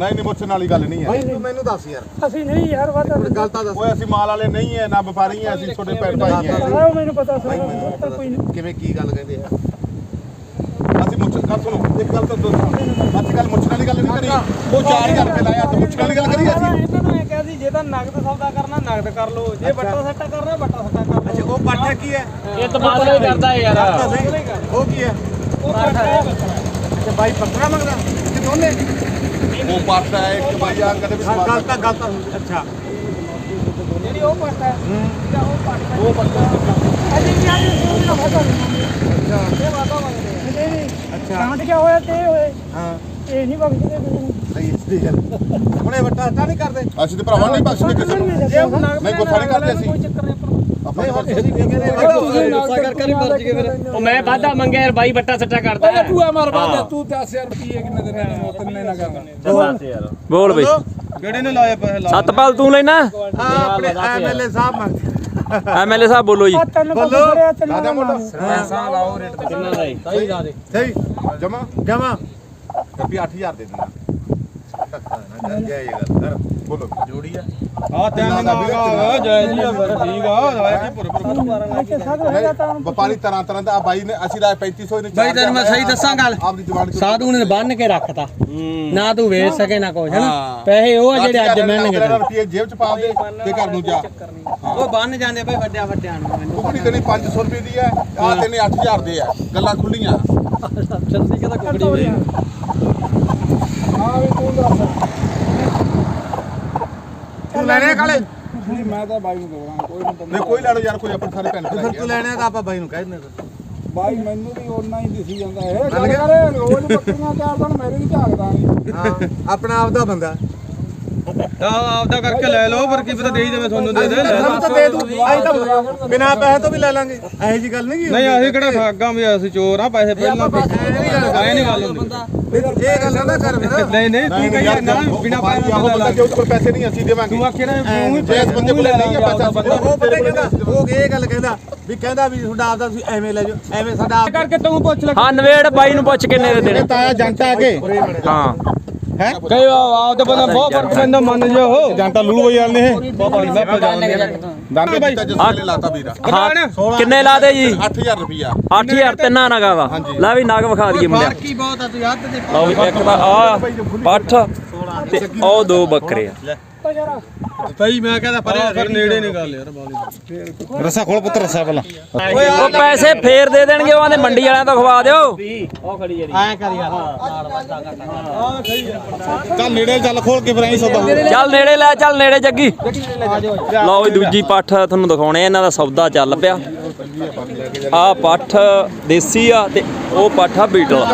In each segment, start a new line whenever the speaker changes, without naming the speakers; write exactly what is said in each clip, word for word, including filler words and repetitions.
ਨਹੀਂ ਨਹੀਂ ਮੁੱਛਣ ਵਾਲੀ ਗੱਲ ਨਹੀਂ ਹੈ
ਭਾਈ ਮੈਨੂੰ ਦੱਸ ਯਾਰ
ਅਸੀਂ ਨਹੀਂ ਯਾਰ ਵਾਦਾ
ਗੱਲ ਤਾਂ ਦੱਸ
ਓਏ ਅਸੀਂ ਮਾਲ ਵਾਲੇ ਨਹੀਂ ਹੈ ਨਾ ਵਪਾਰੀ ਹੈ ਅਸੀਂ ਛੋਟੇ ਭੈਣ ਭਾਈ ਹੈ
ਮੈਨੂੰ ਪਤਾ ਸਾਰਾ ਕੋਈ ਨਹੀਂ
ਕਿਵੇਂ ਕੀ ਗੱਲ ਕਹਿੰਦੇ ਆ
ਅਸੀਂ ਮੁੱਛ ਗੱਲ ਸੁਣੋ ਇੱਕ ਗੱਲ ਤਾਂ ਦੋਸਤੋ ਅੱਜ ਕੱਲ ਮੁੱਛਣ ਵਾਲੀ ਗੱਲ ਨਹੀਂ ਕਰੀ ਉਹ ਚਾਰ ਹਜ਼ਾਰ ਰੁਪਏ ਲਾਇਆ ਤਾਂ ਮੁੱਛਣ ਵਾਲੀ ਗੱਲ ਕਰੀ ਅਸੀਂ
ਇਹਨਾਂ ਨੂੰ ਇਹ ਕਿਹਾ ਸੀ ਜੇ ਤਾਂ ਨਗਦ ਸੌਦਾ ਕਰਨਾ ਨਗਦ ਕਰ ਲਓ ਜੇ ਬੱਟਾ ਸੱਟਾ ਕਰਨਾ ਬੱਟਾ ਸੱਟਾ ਕਰ ਲਓ
ਅੱਛਾ ਉਹ ਪਾਠਾ ਕੀ ਹੈ
ਇਹ ਤਬਾਦਲਾ ਹੀ ਕਰਦਾ ਯਾਰ
ਉਹ ਕੀ ਹੈ
ਉਹ ਬੱਟਾ ਹੈ
ਅੱਛਾ ਬਾਈ ਬੱਕਰਾ ਮੰਗਦਾ ਕਿ ਦੋਨੇ
ਉਹ ਪਾਟਾ ਹੈ ਇੱਕ ਭਾਈ ਆ ਕਦੇ ਵੀ
ਗੱਲ ਤਾਂ ਗੱਲ ਤਾਂ ਅੱਛਾ
ਜਿਹੜੀ ਉਹ ਪੱਟਾ ਹੈ ਉਹ ਪੱਟਾ
ਉਹ ਪੱਟਾ
ਅਸੀਂ ਕੀ ਆਏ ਸੀ ਨਾ ਵਾਦਾ
ਅੱਛਾ
ਇਹ ਵਾਦਾ ਮੰਗਦੇ ਆ
ਨਹੀਂ
ਅੱਛਾ
ਕਾਂਡ ਕਿਆ ਹੋਇਆ ਤੇ ਹੋਏ
ਹਾਂ
ਇਹ ਨਹੀਂ ਬਖਸ਼ਦੇ ਮੈਨੂੰ
ਸਹੀ ਸਹੀ ਗੱਲ ਹੁਣੇ ਵੱਟਾ ਹੱਟਾ ਨਹੀਂ ਕਰਦੇ
ਅਸੀਂ ਤੇ ਭਰਾਵਾਂ ਨਹੀਂ ਬਖਸ਼ਦੇ ਕਿਸੇ ਨੂੰ
ਜੇ ਉਹ ਨਗਦ
ਨਹੀਂ ਗੁੱਸਾ ਨਹੀਂ ਕਰਦੇ ਅਸੀਂ
ਕੋਈ ਚੱਕਰ ਨਹੀਂ ਆਪਾਂ
ਨਹੀਂ ਹੁਣ ਤੁਸੀਂ ਕੀ ਕਹਿੰਦੇ
ਗੁੱਸਾ ਕਰ ਕਰ ਹੀ ਮਰਜ ਗਏ ਫਿਰ
ਉਹ ਮੈਂ ਵਾਦਾ ਮੰਗਿਆ ਯਾਰ ਬਾਈ ਬੱਟਾ ਸੱਟਾ ਕਰਦਾ
ਓਏ ਤੂੰ ਆ ਮਾਰ ਬਾਦ ਤੂੰ ਦਸ ਹਜ਼ਾਰ ਰੁਪਏ ਕਿੰਨੇ ਦਿਨ ਨੇ ਤਿੰਨੇ ਨਾ ਕਰਦਾ
ਬੋਲ ਬਈ
ਕਿਹੜੇ ਨੇ ਲਾਇਆ ਪੈਸੇ
ਸਤਪਾਲ ਤੂੰ ਲੈਣਾ
ਹਾਂ ਆਪਣੇ ਐਮਐਲਏ ਸਾਹਿਬ ਮੰਗਦੇ
ਐਮਐਲਏ ਸਾਹਿਬ ਬੋਲੋ ਜੀ
ਆ ਤੈਨੂੰ
ਬੋਲੋ।
ਬੋਲੋ ਤੈਨੂੰ
ਦਾਦਾ ਮੁੰਡਾ
ਪੈਸਾ ਲਾਓ ਰੇਟ ਤੇ
ਕਿੰਨਾ ਦਾ
ਸਹੀ ਲਾ ਦੇ
ਸਹੀ
ਜਮਾ
ਜਮਾ
ਰੁਪਿਆ ਅੱਠ ਹਜ਼ਾਰ ਦੇ ਦੇਣਾ
ਜੈ ਇਹ ਗੱਲ ਕਰ
ਬੋਲੋ
ਜੋੜੀ ਆ
ਆ ਤਿੰਨ ਮੰਗਾ ਜੈ ਜੀ ਫਿਰ ਠੀਕ ਆ ਲਾਇਆ ਕੀ ਪੁਰ ਪੁਰ
ਅੱਛਾ ਸਾਧ ਹੈਗਾ ਤਾਂ
ਵਪਾਰੀ ਤਰ੍ਹਾਂ ਤਰ੍ਹਾਂ ਦਾ ਆ ਬਾਈ ਨੇ ਅਸੀਂ ਦਾ ਪੈਂਤੀ ਸੌ ਨੇ
ਬਾਈ ਤੈਨੂੰ ਮੈਂ ਸਹੀ ਦੱਸਾਂ ਗੱਲ
ਆਪਦੀ ਜ਼ੁਬਾਨ ਚੋਂ
ਸਾਧੂ ਨੇ ਬੰਨ ਕੇ ਰੱਖਤਾ ਨਾ ਤੂੰ ਵੇਚ ਸਕੇ ਨਾ ਕੁਛ ਹੈਨਾ ਪੈਸੇ ਉਹ ਆ ਜਿਹੜੇ ਅੱਜ ਮਿਲਣਗੇ ਤੈਨੂੰ।
ਰੁਪਏ ਜੇਬ ਚ ਪਾ ਦੇ ਤੇ ਘਰ ਨੂੰ ਜਾ
ਉਹ ਬੰਨ ਜਾਂਦੇ ਬਈ ਵੱਡਿਆ ਵੱਡਿਆਂ ਨੂੰ ਮੈਨੂੰ
ਕੁਕੜੀ ਦੇਣੀ ਪੰਜ ਸੌ ਰੁਪਏ ਦੀ ਹੈ ਆ ਦੇਣੇ ਅੱਠ ਹਜ਼ਾਰ ਦੇ ਆ ਗੱਲਾਂ ਖੁੱਲੀਆਂ
ਸੱਚੀ ਕਹਿੰਦਾ ਕੁਕੜੀ ਵੇ
ਹਾਂ ਵੀ ਤੂੰ ਦੱਸ
ਤੂੰ ਲੈਣੇ ਕਾਲੇ
ਨਹੀਂ ਮੈਂ ਤਾਂ ਬਾਈ ਨੂੰ ਦਵਾਂ ਕੋਈ ਨਹੀਂ
ਨਹੀਂ ਕੋਈ ਲੜੋ ਯਾਰ ਕੋਈ ਆਪਣੇ ਸਾਰੇ ਭੈਣ
ਫਿਰ
ਭਰਾ
ਤੂੰ ਲੈਣੇ ਤਾਂ ਆਪਾਂ ਬਾਈ ਨੂੰ ਕਹਿ ਦਿੰਦੇ
ਬਾਈ ਮੈਨੂੰ ਵੀ ਓਨਾ ਹੀ ਦਿਸੀ ਜਾਂਦਾ ਇਹ ਗੱਲ ਕਰੇ ਰੋਜ਼ ਬੱਕਰੀਆਂ ਚਾਰ ਦਿਨ ਮੇਰੇ ਵੀ ਝਾਕਦਾ ਨਹੀਂ
ਹਾਂ ਆਪਣਾ ਆਪਦਾ ਬੰਦਾ
ਆਪਦਾ ਕਰਕੇ ਲੈ ਲਓ ਪਰ ਕੀ ਪਤਾ ਦੇ ਹੀ ਦੇਵੇ ਤੁਹਾਨੂੰ ਦੇ ਦੇ
ਸਾਨੂੰ ਤਾਂ ਦੇ ਦੂ ਅਸੀਂ ਤਾਂ ਬਿਨਾਂ ਪੈਸੇ ਤੋਂ ਵੀ ਲੈ ਲਾਂਗੇ ਇਹੋ ਜੀ ਗੱਲ ਨਹੀਂ
ਨਹੀਂ ਅਸੀਂ ਕਿਹੜਾ ਠਾਗਾਂ ਵੀ ਅਸੀਂ ਚੋਰ ਆ ਪੈਸੇ ਪਹਿਲਾਂ ਐ ਨਹੀਂ ਗੱਲ ਹੁੰਦੀ
ਇਹ ਗੱਲ ਨਾ ਕਰ ਫਿਰ
ਨਹੀਂ ਨਹੀਂ ਤੂੰ ਕਹੀ ਨਾ ਬਿਨਾ ਪੈਸੇ
ਉਹ ਬੰਦਾ ਜੇ ਉਹਦੇ ਕੋਲ ਪੈਸੇ ਨਹੀਂ ਅਸੀਂ ਦੇਵਾਂਗੇ
ਤੂੰ ਆਖੇ ਨਾ ਤੂੰ ਹੀ
ਜੇ ਇਸ ਬੰਦੇ ਕੋਲ ਨਹੀਂ ਹੈ ਪੈਸਾ
ਉਹ ਪਤਾ ਕਹਿੰਦਾ ਉਹ ਇਹ ਗੱਲ ਕਹਿੰਦਾ ਵੀ ਕਹਿੰਦਾ ਵੀ ਤੁਹਾਡਾ ਆਪਦਾ ਤੁਸੀਂ ਐਵੇਂ ਲੈ ਜਾਓ ਐਵੇਂ ਸਾਡਾ
ਕਰਕੇ ਤੂੰ ਪੁੱਛ ਲੈ
ਹਾਂ ਨਵੇੜ ਬਾਈ ਨੂੰ ਪੁੱਛ ਕਿੰਨੇ ਦੇ ਦੇਣੇ
ਤਾਇਆ ਜੰਟਾ ਆ ਕੇ
ਹਾਂ
ਹੈ
ਕਈ ਆਪ ਤੇ ਬੰਦਾ ਬਹੁਤ ਫਰਕ ਪੈਂਦਾ ਮੰਨ ਜਾ ਉਹ
ਜੰਟਾ ਲੂਲੂ ਹੋਈ ਵਾਲੇ ਨੇ
ਬਾਬਾ ਨਹੀਂ ਮੈਂ ਪਜਾਉਂਦੇ
ਦਾਂਗੇ ਬਾਈ ਜਿਸ ਲਾਤਾ ਵੀਰਾ
ਹਾਂ ਕਿੰਨੇ ਲਾ ਦੇ ਜੀ
ਅੱਠ ਹਜ਼ਾਰ ਰੁਪਿਆ
ਅੱਠ ਹਜ਼ਾਰ ਤਿੰਨਾਂ ਨਗਾ ਵਾ ਲੈ ਵੀ ਨਗ ਵਿਖਾ ਦਈਏ ਮੁੰਡਿਆ
ਕੀ ਬਹੁਤ ਆ ਤੂੰ ਯਾਦ ਤੇ
ਲਓ ਵੀ ਇੱਕ ਤਾਂ ਆ ਪੱਠ ਤੇ ਉਹ ਦੋ ਬੱਕਰੇ ਆ
ਭਾਈ ਮੈਂ ਕਹਿੰਦਾ ਪਰੇ ਫਿਰ ਨੇੜੇ ਨਹੀਂ ਗੱਲ ਯਾਰ ਬਾਲੀ
ਰਸਾ ਖੋਲ ਪੁੱਤ ਰਸਾ ਪਹਿਲਾਂ
ਉਹ ਪੈਸੇ ਫੇਰ ਦੇ ਦੇਣਗੇ ਉਹਨਾਂ ਦੇ ਮੰਡੀ ਵਾਲਿਆਂ ਤੋਂ ਖਵਾ ਦਿਓ
ਐ ਕਰ ਯਾਰ
ਚੱਲ ਨੇੜੇ ਚੱਲ ਖੋਲ ਕੇ ਫਿਰ ਐਂ ਸੌਦਾ
ਚੱਲ ਨੇੜੇ ਲੈ ਚੱਲ ਨੇੜੇ ਜੱਗੀ ਲਓ ਵੀ ਦੂਜੀ ਪੱਠ ਤੁਹਾਨੂੰ ਦਿਖਾਉਣੇ ਇਹਨਾਂ ਦਾ ਸੌਦਾ ਚੱਲ ਪਿਆ ਆ ਪੱਠ ਦੇਸੀ ਆ ਤੇ ਉਹ ਪੱਠ ਆ ਬੀਟਲ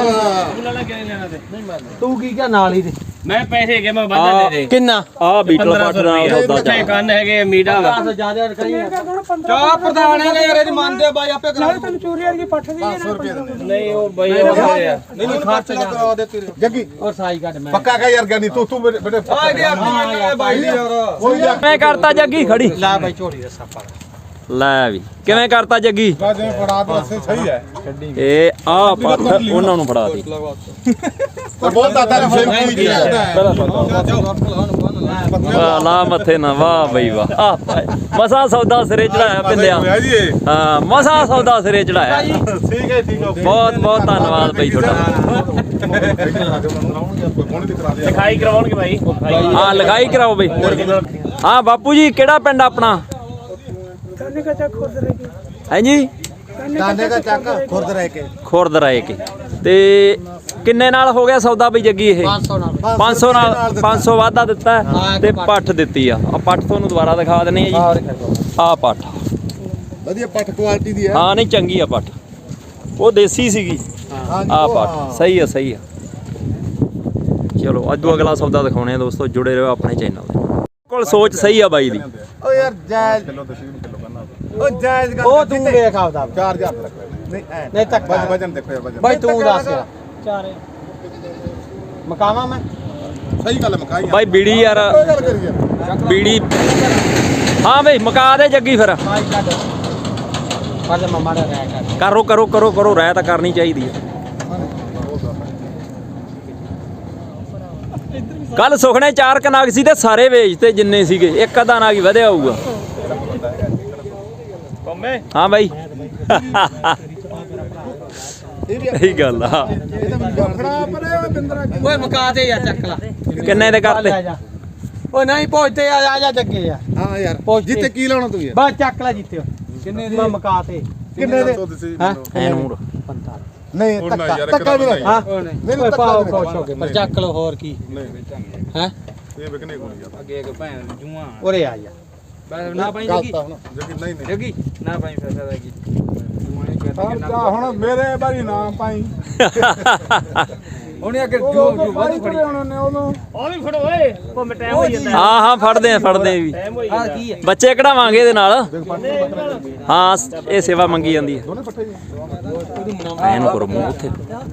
ਤੂੰ ਕੀ ਕਿਹਾ ਨਾਲ ਹੀ ਤੇ
ਮੈਂ ਪੈਸੇ ਕੇ ਮੈਂ ਵਾਧਾ ਦੇ ਦੇ ਕਿੰਨਾ ਆ ਬੀਟਲ ਪੱਠ ਦਾ ਸੌਦਾ ਚੱਲ ਕੰਨ ਹੈਗੇ ਮੀਟਾ ਵਾ
ਜਿਆਦਾ ਕਰੀ ਚਾਹ ਪ੍ਰਧਾਨ ਹੈ ਯਾਰ ਇਹਦੀ ਮੰਨਦੇ ਬਾਈ ਆਪੇ ਕਰਾ
ਨਾਲੇ ਤੈਨੂੰ ਚੋਰੀ ਵਾਲੀ ਪੱਠ ਦੀ
ਨਹੀਂ ਉਹ ਬਈ ਉਹ ਹੋਇਆ
ਨਹੀਂ ਨਹੀਂ ਖਰਚ ਕਰਾ ਦੇ ਤੇਰੇ
ਜੱਗੀ
ਔਰ ਸਾਈ ਕੱਟ ਮੈਂ
ਪੱਕਾ ਕਹ ਯਾਰ ਗਿਆਨੀ ਤੂੰ ਤੂੰ ਮੇਰੇ ਬੇਟੇ
ਆ ਇਹਦੀ ਆਪਣੀ ਮੰਨ ਬਾਈ ਯਾਰ
ਮੈਂ ਕਰਤਾ ਜੱਗੀ ਖੜੀ
ਲੈ ਬਾਈ ਝੋਲੀ ਦਾ ਸਾਪਾ
ਲੈ ਵੀ ਕਿਵੇਂ ਕਰਤਾ ਜੱਗੀ
ਜਿਵੇਂ ਫੜਾ ਦੇ ਰਸੇ ਸਹੀ ਹੈ
ਇਹ ਆ ਪੱਠ ਉਹਨਾਂ ਨੂੰ ਫੜਾ ਦੀ
ਤੇ ਬਹੁਤ ਦਾਦਾ ਨੇ ਫਿਰ ਕੀ ਕੀਤਾ
ਵਾਹ ਲਾ ਮੱਥੇ ਨਾ ਵਾਹ ਬਈ ਵਾਹ ਆ ਮਸਾ ਸੌਦਾ ਸਿਰੇ ਚੜਾਇਆ ਪਿੰਦਿਆ ਹਾਂ ਮਸਾ ਸੌਦਾ ਸਿਰੇ ਚੜਾਇਆ
ਠੀਕ ਹੈ ਠੀਕ ਹੈ
ਬਹੁਤ ਬਹੁਤ ਧੰਨਵਾਦ ਬਈ ਤੁਹਾਡਾ ਲਿਖਾਈ ਕਰਵਾਉਣਗੇ ਬਾਈ ਹਾਂ ਲਿਖਾਈ ਕਰਾਓ ਬਈ ਹਾਂ ਬਾਪੂ ਜੀ ਕਿਹੜਾ ਪਿੰਡ ਆਪਣਾ
ਤੈਨੂੰ ਕਾ ਚੱਕ ਖੁਦ ਰਹਿ ਗਿਆ
ਹਾਂਜੀ
ਦਾਨੇ ਦਾ ਚੱਕ ਖੁਰਦ ਰਹਿ ਕੇ
ਖੁਰਦ ਰਾਏ ਕੇ ਤੇ ਕਿੰਨੇ ਨਾਲ ਹੋ ਗਿਆ ਸੌਦਾ ਬਈ ਜੱਗੀ ਇਹ
ਪੰਜ ਸੌ ਨਾਲ
ਪੰਜ ਸੌ ਨਾਲ ਪੰਜ ਸੌ ਵਾਧਾ ਦਿੱਤਾ ਹੈ ਤੇ ਪੱਠ ਦਿੱਤੀ ਆ ਆ ਪੱਠ ਤੁਹਾਨੂੰ ਦੁਬਾਰਾ ਦਿਖਾ ਦਿੰਨੇ ਆ ਜੀ ਆ ਪੱਠ
ਵਧੀਆ ਪੱਠ ਕੁਆਲਿਟੀ ਦੀ ਹੈ
ਹਾਂ ਨਹੀਂ ਚੰਗੀ ਆ ਪੱਠ ਉਹ ਦੇਸੀ ਸੀਗੀ ਆ ਪੱਠ ਸਹੀ ਆ ਸਹੀ ਆ ਚਲੋ ਅੱਜ ਅਗਲਾ ਸੌਦਾ ਦਿਖਾਉਣੇ ਆ ਦੋਸਤੋ ਜੁੜੇ ਰਹੋ ਆਪਣੇ ਚੈਨਲ ਦੇ ਕੋਲ ਸੋਚ ਸਹੀ ਆ ਬਾਈ ਦੀ
ਓ ਯਾਰ ਜਾਇਜ਼
ਕਿਲੋ ਦਸ਼ਮੀ ਕਿਲੋ ਕਰਨਾ
ਓ ਜਾਇਜ਼ ਗੱਲ
ਉਹ ਤੂੰ ਦੇਖ ਆਪਦਾ
ਚਾਰ ਹਜ਼ਾਰ ਰੱਖ ਲੈ
ਨਹੀਂ ਐ
ਨਹੀਂ ਤੱਕ
ਵਜਨ ਵਜਨ ਦੇਖੋ ਯਾਰ ਵਜਨ
ਬਾਈ ਤੂੰ ਦੱਸ ਯਾਰ
ਚਾਰੇ
ਮਕਾਵਾ ਮੈਂ
ਸਹੀ ਗੱਲ ਮਕਾਈ
ਬਾਈ ਬੀੜੀ ਯਾਰ
ਕੋਈ ਗੱਲ ਕਰੀ ਯਾਰ
ਬੀੜੀ ਹਾਂ ਬਈ ਮਕਾ ਦੇ ਜੱਗੀ ਫਿਰ
ਸਾਈ ਕੱਢ ਪਰ ਮਮਾ ਦਾ ਰਹਿ ਕਰ
ਕਰੋ ਕਰੋ ਕਰੋ ਕਰੋ ਰਹਿ ਤਾਂ ਕਰਨੀ ਚਾਹੀਦੀ ਹੈ ਕੱਲ ਸੁਖਣੇ ਚਾਰ ਕਨਾਗ ਸੀ ਤੇ ਸਾਰੇ ਵੇਚਤੇ ਜਿੰਨੇ ਸੀਗੇ ਇੱਕ ਅੱਧਾ ਨਾਗ ਹੀ ਵਧਿਆ ਹੋਊਗਾ
ਕੰਮੇ
ਹਾਂ ਬਾਈ ਇਹੀ ਗੱਲ ਆ
ਓਏ ਮਕਾ ਦੇ ਯਾਰ ਚੱਕ ਲਾ
ਕਿੰਨੇ ਦੇ ਕਰਤੇ
ਓਏ ਨਹੀਂ ਪਹੁੰਚਦੇ ਆ ਆ ਜਾ ਜੱਗੇ ਯਾਰ
ਹਾਂ ਯਾਰ
ਪਹੁੰਚ
ਜਿੱਤੇ ਕੀ ਲਾਉਣਾ ਤੂੰ ਯਾਰ
ਬਸ ਚੱਕ ਲੈ ਜਿੱਤੇ ਕਿੰਨੇ ਦੇ ਮਕਾ ਤੇ
ਕਿੰਨੇ ਦੇ
ਹਾਂ
ਐ ਨੂੰ
ਨਹੀਂ
ਉਹ ਨਾ
ਧੱਕਾ
ਯਾਰ,
ਧੱਕਾ ਵੀ
ਇੱਕ
ਨਹੀਂ
ਹਾਂ
ਮੈਨੂੰ
ਓਏ
ਧੱਕਾ
ਪਾਓ
ਵੀ
ਖੁਸ਼ ਹੋ ਗਏ ਪਰ ਚੱਕ ਲੋ ਹੋਰ ਕੀ ਹੈ
ਇਹ ਵਿਕਨੇ ਕੋਲ ਯਾਰ
ਅੱਗੇ ਇੱਕ ਭੈਣ ਜੂਆਂ ਉਰੇ ਆ ਜਾ ਬਸ ਨਾ ਪਾਈ ਜੱਗੀ
ਜਗੀ ਨਹੀਂ ਨਹੀਂ
ਜੱਗੀ ਨਾ ਪਾਈ ਫਸਾ ਦਾ ਕੀ
ਜਾ ਹੁਣ ਮੇਰੇ ਬਾਰੀ ਨਾਮ ਪਾਈ
ਉਹਨੇ ਅੱਗੇ
ਜੋ ਜੋ ਬਾਰੀ ਖੜੇ ਹੋਣੇ ਨੇ ਉਹਨੂੰ
ਉਹ ਵੀ ਫੜੋ ਓਏ ਉਹ ਟਾਈਮ ਹੋ ਜਾਂਦਾ
ਹਾਂ ਹਾਂ ਫੜਦੇ ਆ ਫੜਦੇ ਆ ਵੀ
ਟਾਈਮ ਹੋ ਜਾਂਦਾ ਕੀ ਹੈ
ਬੱਚੇ ਕਢਾਵਾਂਗੇ ਇਹਦੇ ਨਾਲ ਹਾਂ ਇਹ ਸੇਵਾ ਮੰਗੀ ਜਾਂਦੀ ਹੈ ਐਨੂੰ ਕਰੋ ਮੂੰਹ ਉੱਥੇ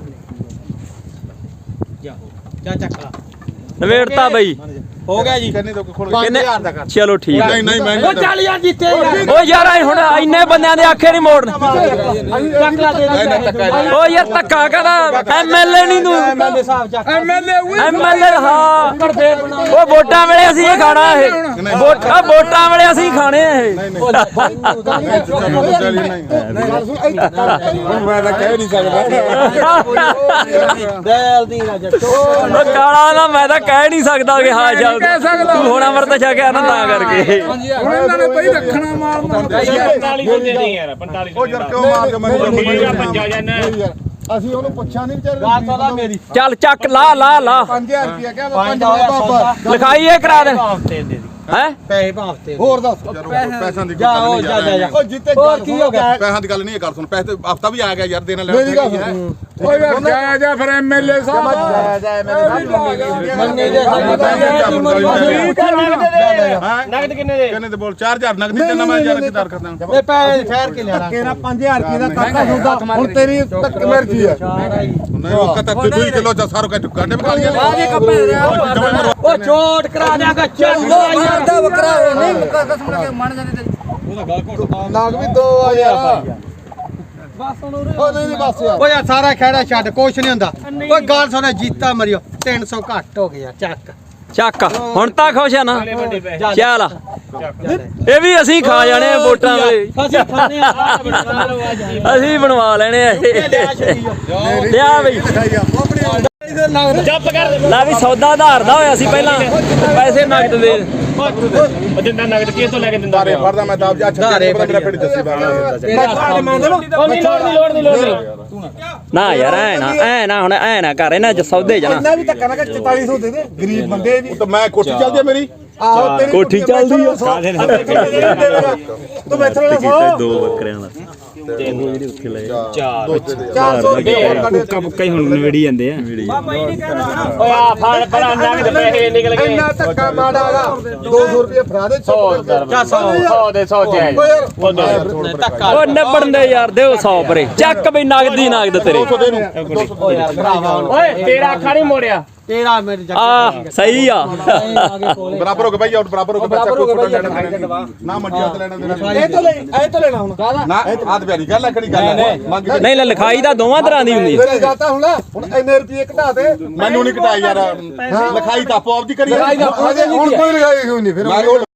ਜਾ ਜਾ ਚੱਕ ਲਾ
ਨਵੇੜਤਾ ਬਈ
ਹੋ ਗਿਆ ਜੀ
ਕਿੰਨੇ ਤੋਂ ਖੋਲ
ਕਿੰਨੇ ਚਲੋ ਠੀਕ ਹੈ
ਨਹੀਂ ਨਹੀਂ ਮੈਂ
ਉਹ ਚੱਲ ਯਾਰ ਜਿੱਤੇ ਯਾਰ
ਓ ਯਾਰ ਐ ਹੁਣ ਇੰਨੇ ਬੰਦਿਆਂ ਦੇ ਆਖੇ ਨਹੀਂ ਮੋੜਨੇ
ਚੱਕ ਲਾ ਦੇ ਦੇ
ਓ ਯਾਰ ਧੱਕਾ ਕਹਦਾ ਐਮਐਲਏ ਨਹੀਂ ਤੂੰ
ਐਮਐਲਏ ਸਾਹਿਬ ਚੱਕ
ਐਮਐਲਏ
ਐਮਐਲਏ ਹਾਂ
ਕਰ ਫੇਰ ਬਣਾ
ਓ ਵੋਟਾਂ ਵੇਲੇ ਅਸੀਂ ਇਹ ਖਾਣਾ ਇਹ ਵੋਟਾਂ ਵੋਟਾਂ ਵੇਲੇ ਅਸੀਂ ਖਾਣੇ ਆ ਇਹ
ਮੈਂ ਤਾਂ ਕਹਿ ਨਹੀਂ ਸਕਦਾ
ਦਿਲ ਦੀ ਨਾ ਜੱਟੋ
ਓ ਕਾਲਾ ਨਾ ਮੈਂ ਤਾਂ ਕਹਿ ਨਹੀਂ ਸਕਦਾ ਕਿ ਹਾਂ ਚੱਲ ਤੂੰ ਹੁਣ ਅਮਰਤ ਛਕਿਆ ਨਾ ਤਾਂ ਕਰਕੇ
ਹੁਣ ਇਹਨਾਂ ਨੇ ਬਈ ਰੱਖਣਾ ਮਾਰਨਾ
ਪੰਤਾਲੀ ਸੌ ਦੇ ਦੇ ਯਾਰ ਪੰਤਾਲੀ
ਉਹ ਜਰ ਕਿਉਂ ਮਾਰ ਕੇ ਮੈਨੂੰ
ਪੰਜਾ ਜਾਨਾ
ਅਸੀਂ ਉਹਨੂੰ ਪੁੱਛਿਆ ਨਹੀਂ ਵਿਚਾਰੇ
ਗਾਲ ਸੌਦਾ ਮੇਰੀ
ਚੱਲ ਚੱਕ ਲਾ ਲਾ ਲਾ
ਪੰਜ ਹਜ਼ਾਰ ਰੁਪਇਆ ਕਿਹਾ ਵਾ,
ਪੰਜ
ਪੰਜ
ਦਾ
ਬਾਬਾ
ਲਿਖਾਈ ਇਹ ਕਰਾ ਦੇ
ਹਫ਼ਤੇ ਦੇ
ਹੈ
ਪੈਸੇ ਭਾਫਤੇ
ਹੋਰ ਦੱਸ
ਪੈਸਿਆਂ ਦੀ
ਜਾ ਉਹ ਜਾ ਜਾ ਜਾ
ਉਹ ਜਿੱਤੇ
ਹੋਰ ਕੀ ਹੋ ਗਿਆ
ਪੈਸਿਆਂ ਦੀ ਗੱਲ ਨਹੀਂ ਕਰ ਸੁਣ ਪੈਸੇ ਹਫਤਾ ਵੀ ਆ ਗਿਆ ਯਾਰ ਦੇਣ ਲੈ
ਮੇਰੀ ਗੱਲ ਸੁਣ ਓਏ ਯਾਰ ਜਾ ਜਾ ਫਿਰ ਐਮਐਲਏ ਸਾਹਿਬ ਜਾ ਜਾ
ਮੰਨੇ ਦੇ ਨਗਦ ਕਿੰਨੇ ਦੇ
ਕਿੰਨੇ ਤੇ ਬੋਲ ਚਾਰ ਹਜ਼ਾਰ ਨਗਦੀ ਦੇਣਾ ਮੈਂ ਯਾਰ ਕਿਦਾਰ ਕਰਦਾ
ਇਹ ਪੈਸੇ ਠਹਿਰ ਕੇ ਲੈਣਾ
ਕਿਹੜਾ ਪੰਜ ਹਜ਼ਾਰ ਰੁਪਏ ਦਾ ਕਰਤਾ ਸੌਦਾ ਹੁਣ ਤੇਰੀ ਤੱਕ ਮਰਜ਼ੀ ਹੈ
ਨਹੀਂ ਉਹ ਕਹਤਾ ਤੂੰ ਹੀ ਕਿਲੋ ਚ ਸਾਰੋ ਕੱਟ ਗਾਂਡੇ ਬਕਾ ਲਿਆ
ਆਜੇ ਕੱਪੇ ਉਹ ਛੋਟ ਕਰਾ ਦਿਆਗਾ ਚੱਲ ਦੋ ਹਜ਼ਾਰ ਦਾ ਬੱਕਰਾ
ਨਾਗ ਵੀ ਦੋ ਆ ਯਾਰ
ਬਸ ਹੁਣ
ਉਹ ਨਹੀਂ ਨਹੀਂ ਬਸ ਯਾਰ
ਓ ਯਾਰ ਸਾਰਾ ਖੇੜਾ ਛੱਡ ਕੁਛ ਨਹੀਂ ਹੁੰਦਾ ਓਏ ਗੱਲ ਸੁਣ ਜੀਤਾ ਮਰਿਓ ਤਿੰਨ ਸੌ ਘੱਟ ਹੋ ਗਿਆ ਚੱਕ
ਚੱਕ ਹੁਣ ਤਾਂ ਖੁਸ਼ ਆ ਨਾ ਚੱਲ ਇਹ ਵੀ ਅਸੀਂ ਖਾ ਜਾਣੇ ਆ ਵੋਟਾਂ ਵੇਲੇ
ਅਸੀਂ ਖਾਣੇ ਆ ਬਣਾ ਲਓ ਅੱਜ
ਅਸੀਂ ਬਣਵਾ ਲੈਣੇ ਆ ਇਹ ਲਿਆ ਬਈ
ਜੱਪ ਕਰ
ਲੈ ਵੀ ਸੌਦਾ ਆਧਾਰ ਦਾ ਹੋਇਆ ਸੀ ਪਹਿਲਾਂ ਪੈਸੇ ਨਗਦ ਦੇ
ਉਹ ਦਿੰਦਾ ਨਗਦ ਕਿਸ ਤੋਂ ਲੈ ਕੇ ਦਿੰਦਾ
ਦਾਰੇ ਫੜਦਾ ਮੈਂ ਤਾਂ ਜਾ ਛੱਡੇ ਮੇਰਾ ਪਿੰਡ ਦੱਸੀ ਬਾਗਾ
ਉਹ ਨਹੀਂ ਲੋੜ ਨਹੀਂ ਲੋੜ ਨਹੀਂ ਲੋੜ ਨਹੀਂ
ਨਾ ਯਾਰ ਐ ਨਾ ਐ ਨਾ ਹੁਣ ਐ ਨਾ ਕਰ ਇਹਨਾਂ ਚ ਸੌਦੇ ਜਣਾ
ਇੰਨਾ ਵੀ ਧੱਕਾ ਨਾ ਕਰ ਚੁਤਾਲੀ ਸੌ ਦੇ ਦੇ ਗਰੀਬ ਬੰਦੇ ਵੀ
ਤਾਂ ਮੈਂ ਕੋਠੀ ਚੱਲਦੀ ਆ ਮੇਰੀ
ਆਹੋ ਤੇਰੀ
ਕੋਠੀ ਚੱਲਦੀ ਆ।
ਤੂੰ ਮੈਥੋਂ ਲੈ ਸੌ
ਦੋ ਬੱਕਰਿਆਂ ਦਾ
ਚਾਰ ਸੌ ਰੁਪਏ
ਕਈ ਹੁਣ ਨਵੇੜੀ ਜਾਂਦੇ ਆ
ਓਏ ਆ ਫੜ ਫੜਾ ਨਗਦ ਪੈਸੇ ਨਿਕਲ ਗਏ
ਇੰਨਾ ਧੱਕਾ ਮਾੜਾਗਾ ਦੋ ਸੌ ਰੁਪਏ ਫੜਾ ਦੇ ਸੌ
ਸੌ ਦੇ ਸੌ ਤੇ
ਓ ਯਾਰ
ਧੱਕਾ
ਉਹ ਨਿਬੜਨ ਦੇ ਯਾਰ ਦਿਓ ਸੌ ਪਰੇ ਚੱਕ ਬਈ ਨਗਦੀ ਨਗਦ ਤੇਰੇ
ਓ ਯਾਰ ਭਰਾਵਾ ਓਏ ਤੇਰਾ ਅੱਖਾਂ ਨਹੀਂ ਮੋੜਿਆ ਤੇਰਾ ਮੇਰੇ ਜੱਟ
ਆ ਸਹੀ ਆ
ਆਗੇ ਕੋਲੇ
ਬਰਾਬਰ ਹੋ ਕੇ ਭਾਈ ਆਊਟ ਬਰਾਬਰ ਹੋ ਕੇ ਬੱਚਾ ਕੋਈ ਫੋਟੋ ਲੈਣਾ ਨਾ ਮੰਡੀਆਂ ਤੇ ਲੈਣਾ ਦੇਣਾ
ਇਹ ਤੋਂ ਲੈ ਇਹ ਤੋਂ ਲੈਣਾ ਹੁਣ
ਨਾ ਆਦ ਬਿਆਰੀ ਗੱਲ ਲੱਕੜੀ ਗੱਲ ਮੰਗ
ਨਹੀਂ ਲੈ ਲਿਖਾਈ ਤਾਂ ਦੋਵਾਂ ਤਰ੍ਹਾਂ ਦੀ ਹੁੰਦੀ ਹੈ
ਮੇਰੀ ਗੱਲ ਤਾਂ ਹੁਣ ਹੁਣ ਇੰਨੇ ਰੁਪਏ ਘਟਾ ਦੇ
ਮੈਨੂੰ ਨਹੀਂ ਘਟਾਈ ਯਾਰ ਲਿਖਾਈ ਤਾਂ ਆਪੋ ਆਪ ਦੀ ਕਰੀ
ਹੁਣ ਕੋਈ ਲਿਖਾਈ ਹੋਈ ਨਹੀਂ ਫਿਰ